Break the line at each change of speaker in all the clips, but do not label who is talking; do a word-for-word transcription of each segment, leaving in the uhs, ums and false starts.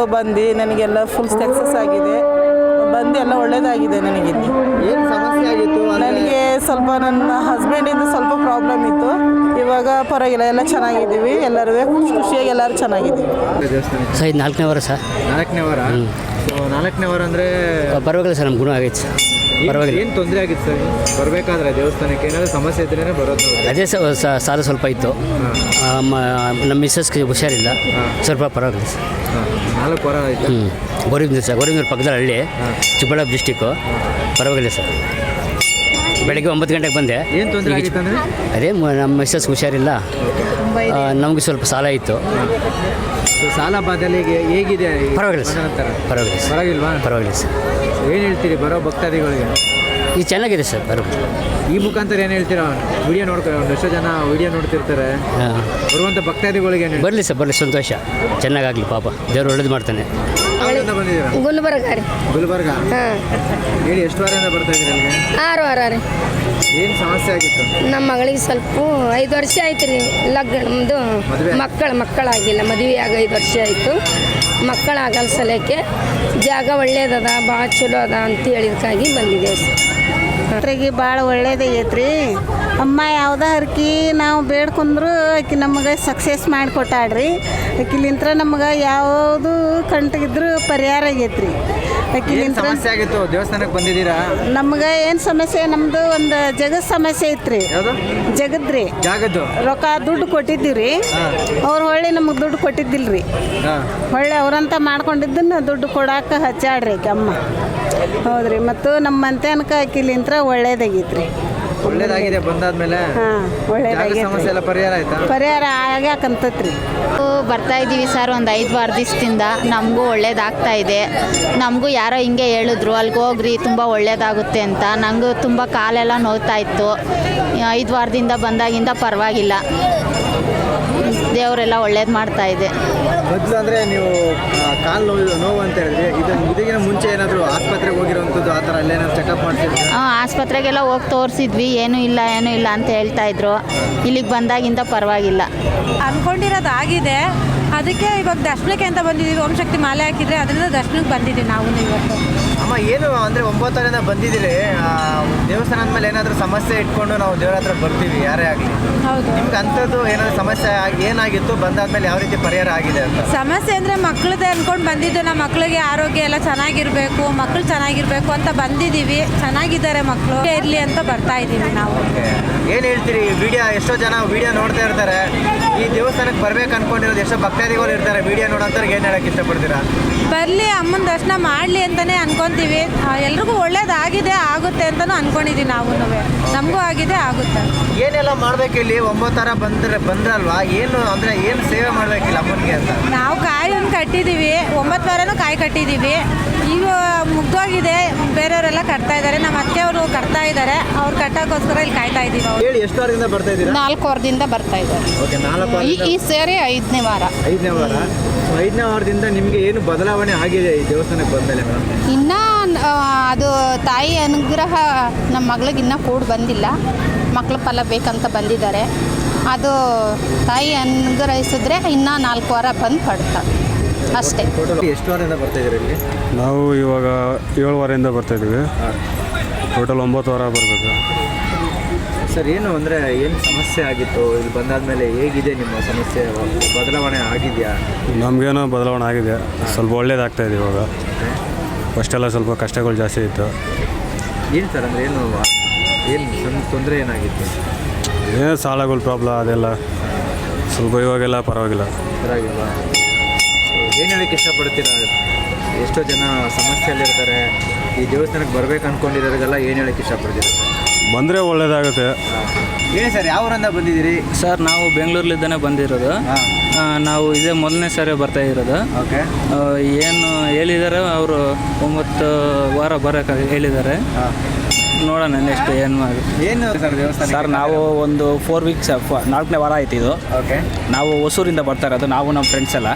ಬಂದು ನನಗೆಲ್ಲ full success ಆಗಿದೆ. ಬಂದು ಎಲ್ಲ ಒಳ್ಳೇದಾಗಿದೆ ನನಗೆ.
ಏನು ಸಮಸ್ಯೆ ಆಗಿತ್ತು?
ನನಗೆ ಸ್ವಲ್ಪ ನನ್ನ ಹಸ್ಬೆಂಡಿಂದ ಸ್ವಲ್ಪ ಪ್ರಾಬ್ಲಮ್ ಇತ್ತು. ಇವಾಗ ಪರವಾಗಿಲ್ಲ, ಎಲ್ಲ ಚೆನ್ನಾಗಿದ್ದೀವಿ. ಎಲ್ಲರೂ ಖುಷಿಯಾಗಿ ಎಲ್ಲರೂ ಚೆನ್ನಾಗಿದ್ದೀವಿ.
ಸರ್ ಇದು ನಾಲ್ಕನೇ ವಾರ ಸರ್.
ನಾಲ್ಕನೇ ವಾರ ಸೊ ನಾಲ್ಕನೇ ವಾರ ಅಂದರೆ
ಪರವಾಗಿಲ್ಲ ಸರ್, ನಮ್ಮ ಗುಣ ಆಗೈತೆ ಸರ್. ಪರವಾಗಿಲ್ಲ.
ಏನು ತೊಂದರೆ ಆಗಿತ್ತು ಸರ್ ಬರಬೇಕಾದ್ರೆ ದೇವಸ್ಥಾನಕ್ಕೆ? ಏನಾದರೂ ಸಮಸ್ಯೆ ಇದ್ರೇ ಬರೋದು?
ಅದೇ ಸರ್, ಸಾಲ ಸ್ವಲ್ಪ ಇತ್ತು. ನಮ್ಮ ಮಿಸ್ಸಸ್ಗೆ ಹುಷಾರಿಲ್ಲ, ಸ್ವಲ್ಪ ಪರವಾಗಿಲ್ಲ ಸರ್.
ನಾಲ್ಕು ವಾರ ಆಯಿತು.
ಹ್ಞೂ ಗೋರಿಬಿಂದ ಸರ್, ಗೋರಿಬಿಂದ ಪಕ್ಕದ ಹಳ್ಳಿ, ಚಿಕ್ಕಬಳ್ಳಾಪುರ ಡಿಸ್ಟಿಕ್ಕು. ಪರವಾಗಿಲ್ಲ ಸರ್. ಬೆಳಗ್ಗೆ ಒಂಬತ್ತು ಗಂಟೆಗೆ ಬಂದೆ.
ಏನು ತೊಂದರೆ ಆಗಿತ್ತು ಅಂದರೆ?
ಅದೇ ನಮ್ಮ ಮಿಸ್ಸಸ್ಗೆ ಹುಷಾರಿಲ್ಲ, ನಮಗೆ ಸ್ವಲ್ಪ ಸಾಲ ಇತ್ತು.
ಸಾಲ ಬಾಧಲಿಗೆ ಹೇಗಿದೆ?
ಪರವಾಗಿಲ್ಲ ಸರ್, ಪರವಾಗಿಲ್ಲ ಸರ್.
ಪರವಾಗಿಲ್ವಾ?
ಪರವಾಗಿಲ್ಲ ಸರ್.
ಏನು ಹೇಳ್ತೀರಿ ಬರೋ ಭಕ್ತಾದಿಗಳಿಗೆ?
ಇದು ಚೆನ್ನಾಗಿದೆ ಸರ್. ಬರಬಹುದು.
ಈ ಮುಖಾಂತರ ಏನು ಹೇಳ್ತೀರಾ? ವಿಡಿಯೋ ನೋಡ್ತಾರೆ, ಒಂದಷ್ಟು ಜನ ವಿಡಿಯೋ ನೋಡ್ತಿರ್ತಾರೆ.
ಹಾಂ,
ಬರುವಂಥ ಭಕ್ತಾದಿಗಳಿಗೆ ಏನು?
ಬರಲಿ ಸರ್, ಬರಲಿ, ಸಂತೋಷ. ಚೆನ್ನಾಗಾಗಲಿ, ಪಾಪ ದೇವ್ರು ಒಳ್ಳೇದು ಮಾಡ್ತಾನೆ.
ಯಾವ್ರಿಂದ ಬಂದಿದ್ದೀರಾ?
ಗುಲ್ಬರ್ಗ ರೀ.
ಗುಲ್ಬರ್ಗ.
ಹಾಂ.
ಹೇಳಿ, ಎಷ್ಟು ವಾರದಿಂದ ಬರ್ತಾ ಇದ್ದೀರಿ ಅಲ್ಲಿಗೆ?
ಆರು ವಾರ ರೀ.
ಏನು ಸಮಸ್ಯೆ ಆಗಿತ್ತು?
ನಮ್ಮ ಮಗಳಿಗೆ ಸ್ವಲ್ಪ ಐದು ವರ್ಷ ಆಯ್ತು ರೀ ಲಗ್ನ. ನಮ್ಮದು ಮಕ್ಕಳು ಮಕ್ಕಳಾಗಿಲ್ಲ, ಮದುವೆ ಆಗ ಐದು ವರ್ಷ ಆಯಿತು. ಮಕ್ಕಳಾಗಲ್ಲ ಸಲಕ್ಕೆ ಜಾಗ ಒಳ್ಳೇದದ, ಭಾಳ ಚಲೋ ಅದ ಅಂತ ಹೇಳಿದಕ್ಕಾಗಿ ಬಂದಿದ್ದೇವೆ ಸರ್.
ಅದ್ರಾಗೆ ಭಾಳ ಒಳ್ಳೇದಾಗೈತೆ ರೀ. ಅಮ್ಮ ಯಾವುದೇ ಹರ್ಕಿ ನಾವು ಬೇಡ್ಕೊಂಡ್ರು ಆಕೆ ನಮಗೆ ಸಕ್ಸಸ್ ಮಾಡಿಕೊಟ್ಟಾಳ್ರಿ. ಆಕಿಲಿಂತ್ರ ನಮ್ಗೆ ಯಾವುದು ಕಂಟಿಗಿದ್ರು ಪರಿಹಾರ ಆಗೈತೆ ರೀ. ಆಕಿಲಿಂತ್ರ
ಸಮಸ್ಯೆ ಆಗಿತ್ತು? ದೇವಸ್ಥಾನಕ್ಕೆ ಬಂದಿದ್ದೀರಾ?
ನಮ್ಗೆ ಏನು ಸಮಸ್ಯೆ? ನಮ್ಮದು ಒಂದು ಜಗದ ಸಮಸ್ಯೆ ಐತ್ರಿ.
ಯಾವುದು?
ಜಗದ್ರಿ.
ಜಾಗದ್ದು
ರೊಕ್ಕ ದುಡ್ಡು ಕೊಟ್ಟಿದ್ದೀವಿ ರೀ. ಅವ್ರು ಹೊಳ್ಳಿ ನಮಗೆ ದುಡ್ಡು ಕೊಟ್ಟಿದ್ದಿಲ್ಲ ರೀ. ಹೊಳ್ಳಿ ಅವ್ರಂತ ಮಾಡ್ಕೊಂಡಿದ್ದನ್ನು ದುಡ್ಡು ಕೊಡಾಕ ಹಚ್ಚಾಡ್ರಿ ಆಕೆ ಅಮ್ಮ. ಹೌದ್ರಿ. ಮತ್ತು ನಮ್ಮ ಮಂತ್ಯಾನಕ ಆಕಿಲಿಂತ್ರ ಒಳ್ಳೇದಾಗೈತೆ ರೀ.
ಒಳ್ಳೇದಾಗಿದೆ ಬಂದಾದ್ಮೇಲೆ?
ಹಾಂ, ಒಳ್ಳೇದಾಗೈತೆ.
ಸಮಸ್ಯೆ ಎಲ್ಲ ಪರಿಹಾರ ಆಯ್ತಾ?
ಪರಿಹಾರ ಆಗ್ಯಾಕಂತತ್ರಿ.
ಬರ್ತಾ ಇದ್ದೀವಿ ಸರ್ ಒಂದು ಐದು ವಾರ ದಿವಸದಿಂದ. ನಮಗೂ ಒಳ್ಳೇದಾಗ್ತಾ ಇದೆ. ನಮಗೂ ಯಾರೋ ಹಿಂಗೆ ಹೇಳಿದ್ರು ಅಲ್ಲಿಗೆ ಹೋಗ್ರಿ ತುಂಬ ಒಳ್ಳೇದಾಗುತ್ತೆ ಅಂತ. ನನಗೂ ತುಂಬ ಕಾಲೆಲ್ಲ ನೋವ್ತಾ ಇತ್ತು. ಐದು ವಾರದಿಂದ ಬಂದಾಗಿಂದ ಪರವಾಗಿಲ್ಲ, ದೇವರೆಲ್ಲ ಒಳ್ಳೇದು ಮಾಡ್ತಾ ಇದೆ.
ಮೊದಲು ಅಂದರೆ ನೀವು ಕಾಲು ನೋವು ನೋವು ಅಂತ ಹೇಳಿದ್ರಿ, ಇದು ಇದಕ್ಕಿಂತ ಮುಂಚೆ ಏನಾದರೂ ಆಸ್ಪತ್ರೆಗೆ ಹೋಗಿರೋವಂಥದ್ದು ಆ ಥರ ಅಲ್ಲೇನಾದ್ರು ಚೆಕಪ್ ಮಾಡ್ತಿದ್ರಿ?
ಹಾಂ, ಆಸ್ಪತ್ರೆಗೆಲ್ಲ ಹೋಗಿ ತೋರಿಸಿದ್ವಿ, ಏನೂ ಇಲ್ಲ ಏನೂ ಇಲ್ಲ ಅಂತ ಹೇಳ್ತಾ ಇದ್ರು. ಇಲ್ಲಿಗೆ ಬಂದಾಗಿಂದ ಪರವಾಗಿಲ್ಲ.
ಅಂದ್ಕೊಂಡಿರೋದು ಆಗಿದೆ. ಅದಕ್ಕೆ ಇವಾಗ ದರ್ಶನಕ್ಕೆ ಅಂತ ಬಂದಿದ್ದೀವಿ. ಓಂ ಶಕ್ತಿ ಮಾಲೆ ಹಾಕಿದರೆ ಅದರಿಂದ ದರ್ಶನಕ್ಕೆ ಬಂದಿದ್ದೀವಿ ನಾವು ಇವತ್ತು.
ಅಮ್ಮ, ಏನು ಅಂದರೆ ಒಂಬತ್ತರಿಂದ ಬಂದಿದ್ದೀರಿ, ದೇವಸ್ಥಾನ ಅಂದಮೇಲೆ ಏನಾದರೂ ಸಮಸ್ಯೆ ಇಟ್ಕೊಂಡು ನಾವು ದೇವರ ಹತ್ರ ಬರ್ತೀವಿ, ಯಾರೇ ಆಗಲಿ.
ಹೌದು.
ನಿಮ್ಗೆ ಅಂಥದ್ದು ಏನಾದರೂ ಸಮಸ್ಯೆ ಆಗಿ ಏನಾಗಿತ್ತು, ಬಂದಾದ್ಮೇಲೆ ಯಾವ ರೀತಿ ಪರಿಹಾರ ಆಗಿದೆ ಅಂತ?
ಸಮಸ್ಯೆ ಅಂದರೆ ಮಕ್ಕಳದೇ ಅಂದ್ಕೊಂಡು ಬಂದಿದ್ದು. ನಮ್ಮ ಮಕ್ಕಳಿಗೆ ಆರೋಗ್ಯ ಎಲ್ಲ ಚೆನ್ನಾಗಿರಬೇಕು, ಮಕ್ಕಳು ಚೆನ್ನಾಗಿರಬೇಕು ಅಂತ ಬಂದಿದ್ದೀವಿ. ಚೆನ್ನಾಗಿದ್ದಾರೆ ಮಕ್ಕಳು, ಇರಲಿ ಅಂತ ಬರ್ತಾ ಇದ್ದೀವಿ ನಾವು.
ಏನು ಹೇಳ್ತೀರಿ? ವಿಡಿಯೋ ಎಷ್ಟೋ ಜನ ವಿಡಿಯೋ ನೋಡ್ತಾ ಇರ್ತಾರೆ. ಈ ದೇವಸ್ಥಾನಕ್ಕೆ ಬರ್ಬೇಕು ಅನ್ಕೊಂಡಿರೋದು ಎಷ್ಟೋ ಭಕ್ತಾದಿಗಳು ಇರ್ತಾರೆ. ವಿಡಿಯೋ ನೋಡೋಂಥವ್ರಿಗೆ ಏನು ಹೇಳಕ್ಕೆ ಇಷ್ಟಪಡ್ತೀರಾ?
ಬರಲಿ, ಅಮ್ಮನ ದರ್ಶನ ಮಾಡಲಿ ಅಂತಲೇ ಅನ್ಕೊತೀವಿ. ಎಲ್ರಿಗೂ ಒಳ್ಳೇದಾಗಿದೆ, ಆಗುತ್ತೆ ಅಂತಲೂ ಅನ್ಕೊಂಡಿದ್ದೀವಿ ನಾವು. ನಮಗೂ ಆಗಿದೆ, ಆಗುತ್ತೆ.
ಏನೆಲ್ಲ ಮಾಡಬೇಕು ಇಲ್ಲಿ? ಒಂಬತ್ತರ ಬಂದ್ರೆ ಬಂದ್ರಲ್ವಾ, ಏನು ಅಂದರೆ ಏನು ಸೇವೆ ಮಾಡಬೇಕಿಲ್ಲ ಅಮ್ಮನಿಗೆ ಅಂತ?
ನಾವು ಕಾಯಿ ಒಂದು ಕಟ್ಟಿದ್ದೀವಿ, ಒಂಬತ್ತು ವಾರನೂ ಕಾಯಿ ಕಟ್ಟಿದ್ದೀವಿ. ಈಗ ಮುಗ್ದೋಗಿದೆ, ಬೇರೆಯವರೆಲ್ಲ ಕಟ್ತಾ ಇದ್ದಾರೆ. ನಮ್ಮ ಅತ್ತೆಯವರು ಕಟ್ತಾ ಇದ್ದಾರೆ, ಅವ್ರು ಕಟ್ಟೋಕ್ಕೋಸ್ಕರ ಇಲ್ಲಿ ಕಾಯ್ತಾ ಇದ್ದೀವಿ.
ಹೇಳಿ, ಎಷ್ಟು ವಾರದಿಂದ ಬರ್ತಾ ಇದ್ದೀರಾ?
ನಾಲ್ಕು ವಾರದಿಂದ ಬರ್ತಾ ಇದ್ದಾರೆ.
ಓಕೆ, ನಾಲ್ಕು ವಾರ.
ಈ ಸೇರಿ ಐದನೇ ವಾರ.
ಐದನೇ ವಾರ. ಐದನೇ ವಾರದಿಂದ ನಿಮಗೆ ಏನು ಬದಲಾವಣೆ ಆಗಿದೆ ಈ ದೇವಸ್ಥಾನಕ್ಕೆ ಬಂದಮೇಲೆ ಮೇಡಮ್?
ಇನ್ನೂ ಅದು ತಾಯಿ ಅನುಗ್ರಹ ನಮ್ಮ ಮಗಳಿಗೆ ಇನ್ನೂ ಕೂಡ ಬಂದಿಲ್ಲ. ಮಕ್ಕಳ ಫಲ ಬೇಕಂತ ಬಂದಿದ್ದಾರೆ. ಅದು ತಾಯಿ ಅನುಗ್ರಹಿಸಿದ್ರೆ ಇನ್ನೂ ನಾಲ್ಕು ವಾರ ಬಂದು ಪಡ್ತಾರೆ ಅಷ್ಟೇ.
ಎಷ್ಟು ವಾರದಿಂದ ಬರ್ತಾ ಇದ್ದೀರಾ ಇಲ್ಲಿ?
ನಾವು ಇವಾಗ ಏಳು ವಾರದಿಂದ ಬರ್ತಾಯಿದ್ದೀವಿ. ಟೋಟಲ್ ಒಂಬತ್ತು ವಾರ ಬರಬೇಕು
ಸರ್. ಏನು ಅಂದರೆ ಏನು ಸಮಸ್ಯೆ ಆಗಿತ್ತು? ಇಲ್ಲಿ ಬಂದಾದಮೇಲೆ ಹೇಗಿದೆ ನಿಮ್ಮ ಸಮಸ್ಯೆ? ಬದಲಾವಣೆ ಆಗಿದೆಯಾ?
ನಮಗೇನೋ ಬದಲಾವಣೆ ಆಗಿದೆ, ಸ್ವಲ್ಪ ಒಳ್ಳೇದಾಗ್ತಾಯಿದೆ ಇವಾಗ. ಫಸ್ಟೆಲ್ಲ ಸ್ವಲ್ಪ ಕಷ್ಟಗಳು ಜಾಸ್ತಿ ಇತ್ತು.
ಏನು ಸರ್ ಅಂದರೆ ಏನು ಏನು ತೊಂದರೆ ಏನಾಗಿತ್ತು?
ಏನು ಸಾಲಗಳು ಪ್ರಾಬ್ಲಮ್ ಅದೆಲ್ಲ ಸ್ವಲ್ಪ, ಇವಾಗೆಲ್ಲ ಪರವಾಗಿಲ್ಲ.
ಪರವಾಗಿಲ್ಲ. ಏನು ಹೇಳೋಕ್ಕೆ ಇಷ್ಟಪಡ್ತೀರಾ? ಎಷ್ಟೋ ಜನ ಸಮಸ್ಯೆಯಲ್ಲಿರ್ತಾರೆ. ಈ ದೇವಸ್ಥಾನಕ್ಕೆ ಬರ್ಬೇಕು ಅಂದ್ಕೊಂಡಿರೋರಿಗೆಲ್ಲ ಏನು ಹೇಳೋಕ್ಕೆ ಇಷ್ಟಪಡ್ತೀರಾ?
ಬಂದರೆ ಒಳ್ಳೇದಾಗುತ್ತೆ.
ಹೇಳಿ ಸರ್, ಯಾವ ಊರಿಂದ ಬಂದಿದ್ದೀರಿ?
ಸರ್, ನಾವು ಬೆಂಗಳೂರಲ್ಲಿದ್ದಾನೆ ಬಂದಿರೋದು. ನಾವು ಇದೇ ಮೊದಲನೇ ಸಾರಿ ಬರ್ತಾ ಇರೋದು.
ಓಕೆ.
ಏನು ಹೇಳಿದ್ದಾರೆ ಅವರು, ಒಂಬತ್ತು ವಾರ ಬರೋಕೆ ಹೇಳಿದ್ದಾರೆ. ನೋಡೋಣ ನೆಕ್ಸ್ಟ್ ಏನು ಆಗುತ್ತೆ.
ಏನು ಸರ್ ದೇವಸ್ಥಾನ?
ಸರ್, ನಾವು ಒಂದು ಫೋರ್ ವೀಕ್ಸ್ ನಾಲ್ಕನೇ ವಾರ ಆಯ್ತು ಇದು.
ಓಕೆ.
ನಾವು ಹೊಸೂರಿಂದ ಬರ್ತಾ ಇರೋದು, ನಾವು ನಮ್ಮ ಫ್ರೆಂಡ್ಸ್ ಎಲ್ಲ.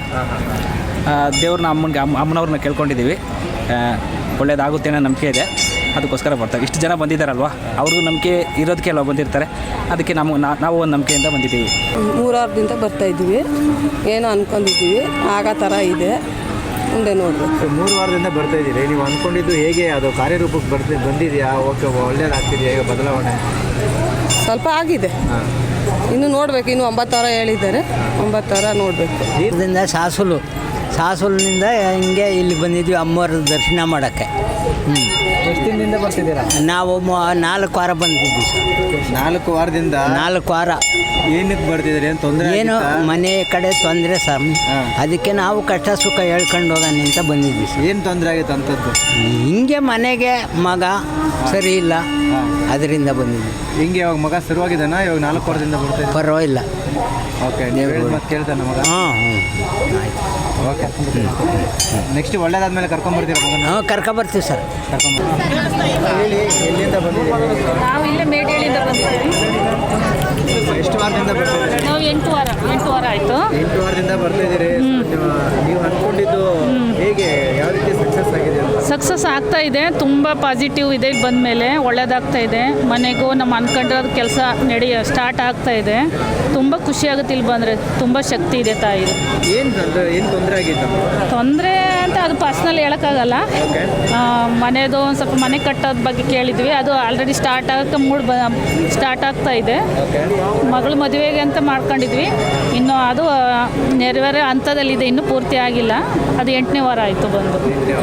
ದೇವ್ರನ್ನ ಅಮ್ಮನಿಗೆ ಅಮ್ಮ ಅಮ್ಮನವ್ರನ್ನ ಕೇಳ್ಕೊಂಡಿದ್ದೀವಿ. ಒಳ್ಳೇದಾಗುತ್ತೆ ಅನ್ನೋ ನಂಬಿಕೆ ಇದೆ, ಅದಕ್ಕೋಸ್ಕರ ಬರ್ತಾರೆ. ಇಷ್ಟು ಜನ ಬಂದಿದ್ದಾರಲ್ವ, ಅವ್ರಿಗೂ ನಂಬಿಕೆ ಇರೋದಕ್ಕೆ ಅಲ್ವ ಬಂದಿರ್ತಾರೆ. ಅದಕ್ಕೆ ನಾವು ನಾವು ಒಂದು ನಂಬಿಕೆಯಿಂದ ಬಂದಿದ್ದೀವಿ.
ಮೂರಾರದಿಂದ ಬರ್ತಾಯಿದ್ದೀವಿ. ಏನೋ ಅಂದ್ಕೊಂಡಿದ್ದೀವಿ, ಆಗೋ ಥರ ಇದೆ.
ಮುಂದೆ ನೋಡ್ಬೇಕು.
ಸೊ ಮೂರು ವಾರದಿಂದ ಬರ್ತಾ ಇದ್ದೀರಿ, ನೀವು ಅಂದ್ಕೊಂಡಿದ್ದು ಹೇಗೆ ಅದು ಕಾರ್ಯರೂಪಕ್ಕೆ ಬರ್ತಿ ಬಂದಿದೆಯಾ? ಓಕೆ, ಒಳ್ಳೇದಾಗ್ತಿದೆಯಾ ಈಗ ಬದಲಾವಣೆ?
ಸ್ವಲ್ಪ ಆಗಿದೆ,
ಹಾಂ,
ಇನ್ನು ನೋಡಬೇಕು. ಇನ್ನು ಒಂಬತ್ತು ವಾರ ಹೇಳಿದ್ದಾರೆ, ಒಂಬತ್ತು ವಾರ ನೋಡಬೇಕು.
ಇದರಿಂದ ಸಾಸುಲು ಸಾಸುಲಿನಿಂದ ಹಿಂಗೆ ಇಲ್ಲಿ ಬಂದಿದ್ವಿ ಅಮ್ಮವ್ರ ದರ್ಶನ ಮಾಡೋಕ್ಕೆ. ಹ್ಞೂ,
ಎಷ್ಟು ದಿನದಿಂದ ಬರ್ತಿದ್ದೀರಾ?
ನಾವು ಮ- ನಾಲ್ಕು ವಾರ ಬಂದಿದ್ವಿ ಸರ್.
ನಾಲ್ಕು ವಾರದಿಂದ
ನಾಲ್ಕು ವಾರ
ಏನಕ್ಕೆ ಬರ್ತಿದ್ದೀರಿ? ಏನು ತೊಂದರೆ?
ಏನು ಮನೆ ಕಡೆ ತೊಂದರೆ ಸರ್, ಅದಕ್ಕೆ ನಾವು ಕಷ್ಟ ಸುಖ ಹೇಳ್ಕೊಂಡು ಹೋಗೋಣ ಅಂತ ಬಂದಿದ್ವಿ ಸರ್.
ಏನು ತೊಂದರೆ ಆಗಿತ್ತು ಅಂಥದ್ದು?
ಹಿಂಗೆ ಮನೆಗೆ ಮಗ ಸರಿ ಇಲ್ಲ, ಅದರಿಂದ ಬಂದಿದ್ವಿ.
ಹಿಂಗೆ ಇವಾಗ ಮಗ ಶುರುವಾಗಿದ್ದಾನ? ಇವಾಗ ನಾಲ್ಕು ವಾರದಿಂದ ಬರ್ತಾ ಇದ್ದೀವಿ.
ಪರವಾಗಿಲ್ಲ.
ಓಕೆ, ನೀವು ಹೇಳಿದ ಮತ್ತೆ ಕೇಳ್ತಾನೆ ಮಗ?
ಹಾಂ ಹ್ಞೂ ಆಯ್ತು.
ಓಕೆ, ನೆಕ್ಸ್ಟ್ ಒಳ್ಳೇದಾದ್ಮೇಲೆ ಕರ್ಕೊಂಬರ್ತೀರಾ ಮಗನ?
ಹಾಂ ಕರ್ಕೊಬರ್ತೀವಿ ಸರ್.
ಕರ್ಕೊಂಬರ್ತೀವಿ. ಹೇಳಿ, ಎಲ್ಲಿಂದ ಬಂದಿದ್ದೀರಿ?
ನಾವು ಇಲ್ಲೇ ಮೇಡೇಳಿಂದ ಬಂದಿದ್ದೀವಿ.
ಎಷ್ಟು ವಾರದಿಂದ ಬರ್ತಿದ್ದೀರಿ?
ನಾವು ಎಂಟು ವಾರ ಎಂಟು ವಾರ ಆಯಿತು.
ಎಂಟು ವಾರದಿಂದ ಬರ್ತಿದ್ದೀರಿ. ನೀವು ಅಂದ್ಕೊಂಡಿದ್ದು ಹೇಗೆ, ಯಾವ ರೀತಿ ಸಕ್ಸಸ್ ಆಗಿದೆ ಅಂತ?
ಸಕ್ಸಸ್ ಆಗ್ತಾ ಇದೆ, ತುಂಬ ಪಾಸಿಟಿವ್ ಇದೆ. ಇಲ್ಲಿ ಬಂದ ಮೇಲೆ ಒಳ್ಳೇದಾಗ್ತಾ ಇದೆ. ಮನೆಗೂ ನಮ್ಮ ಅನ್ಕೊಂಡಿರೋದು ಕೆಲಸ ನಡೆಯ ಸ್ಟಾರ್ಟ್ ಆಗ್ತಾ ಇದೆ. ತುಂಬ ಖುಷಿ ಆಗುತ್ತೆ ಇಲ್ಲಿ ಬಂದರೆ. ತುಂಬ ಶಕ್ತಿ ಇದೆ ತಾಯಿದು.
ಏನು ಏನು ತೊಂದರೆ ಆಗಿತ್ತು?
ತೊಂದರೆ ಅಂತ ಅದು ಪರ್ಸ್ನಲ್ ಹೇಳೋಕ್ಕಾಗಲ್ಲ. ಮನೆದು ಒಂದು ಸ್ವಲ್ಪ ಮನೆ ಕಟ್ಟೋದ್ರ ಬಗ್ಗೆ ಕೇಳಿದ್ವಿ, ಅದು ಆಲ್ರೆಡಿ ಸ್ಟಾರ್ಟ್ ಆಗೋಕ್ಕೆ ಮೂಡ್ ಬ ಸ್ಟಾರ್ಟ್ ಆಗ್ತಾ ಇದೆ. ಮಗಳು ಮದುವೆಗೆ ಅಂತ ಮಾಡ್ಕೊಂಡಿದ್ವಿ, ಇನ್ನು ಅದು ನೆರವೇರೋ ಹಂತದಲ್ಲಿದೆ, ಇನ್ನೂ ಪೂರ್ತಿ ಆಗಿಲ್ಲ. ಅದು ಎಂಟನೇ ವಾರ ಆಯಿತು ಬಂದು.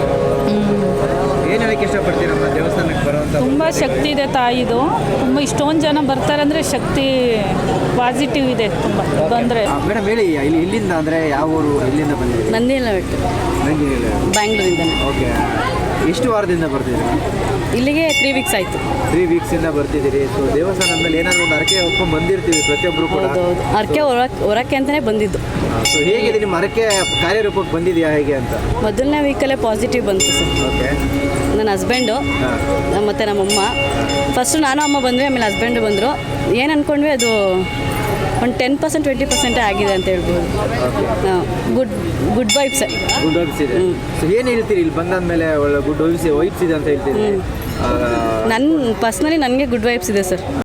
ಏನು ಹೇಳಕ್ಕೆ ಇಷ್ಟಪಡ್ತೀರಮ್ಮ ದೇವಸ್ಥಾನಕ್ಕೆ ಬರುವಂಥ?
ತುಂಬ ಶಕ್ತಿ ಇದೆ ತಾಯಿದು. ತುಂಬ ಇಷ್ಟೊಂದು ಜನ ಬರ್ತಾರೆ ಅಂದರೆ ಶಕ್ತಿ ಪಾಸಿಟಿವ್ ಇದೆ ತುಂಬ ಬಂದರೆ.
ಮೇಡಮ್ ಹೇಳಿ, ಇಲ್ಲಿ ಇಲ್ಲಿಂದ ಅಂದರೆ ಯಾವ ಊರು, ಇಲ್ಲಿಂದ ಬಂದಿದ್ದೀರಿ?
ನಂದಿಲ್ಲ ಬಿಟ್ಟು
ನಂದಿನಿಲ್ಲ.
ಬ್ಯಾಂಗ್ಳೂರಿಂದ.
ಓಕೆ, ಎಷ್ಟು ವಾರದಿಂದ ಬರ್ತಿದ್ದೀರಿ?
ಇಲ್ಲಿಗೆ ತ್ರೀ ವೀಕ್ಸ್ ಆಯಿತು.
ತ್ರೀ ವೀಕ್ಸಿಂದ ಬರ್ತಿದ್ದೀರಿ. ಸೊ ದೇವಸ್ಥಾನದ ಮೇಲೆ ಏನಾದ್ರು ಒಂದು ಅರಕೆ ಹೊತ್ಕೊಂಡು ಬಂದಿರ್ತೀವಿ ಪ್ರತಿಯೊಬ್ಬರು ಕೂಡ.
ಹೌದೌದು, ಅರ್ಕೆ ಹೊರಕ್ಕೆ ಹೊರಕ್ಕೆ ಅಂತಲೇ ಬಂದಿದ್ದು.
ಸೊ ಹೇಗಿದೆ ನಿಮ್ಮ ಅರಕೆ ಕಾರ್ಯರೂಪಕ್ಕೆ ಬಂದಿದೆಯಾ ಹೇಗೆ ಅಂತ?
ಮೊದಲನೇ ವೀಕಲ್ಲೇ ಪಾಸಿಟಿವ್ ಬಂತು ಸರ್.
ಓಕೆ,
ನನ್ನ ಹಸ್ಬೆಂಡು ಮತ್ತು ನಮ್ಮಮ್ಮ, ಫಸ್ಟು ನಾನು ಅಮ್ಮ ಬಂದ್ವಿ, ಆಮೇಲೆ ಹಸ್ಬೆಂಡು ಬಂದರು. ಏನು ಅಂದ್ಕೊಂಡ್ವಿ ಅದು ಒಂದು ಟೆನ್ ಪರ್ಸೆಂಟ್ ಟ್ವೆಂಟಿ ಪರ್ಸೆಂಟೇ ಆಗಿದೆ ಅಂತ ಹೇಳ್ಬೋದು. Good good vibes.
Good vibes ಇದೆ. ಸೊ ಏನು ಹೇಳ್ತೀರಿ ಇಲ್ಲಿ ಬಂದಾದ್ಮೇಲೆ? ಒಳ್ಳೆ ಗುಡ್ ವೈಬ್ಸ್ ವೈಬ್ಸ್ ಇದೆ ಅಂತ ಹೇಳ್ತೀರಿ.
ನನ್ನ ಪರ್ಸ್ನಲಿ ನನಗೆ ಗುಡ್ ವೈಬ್ಸ್ ಇದೆ ಸರ್.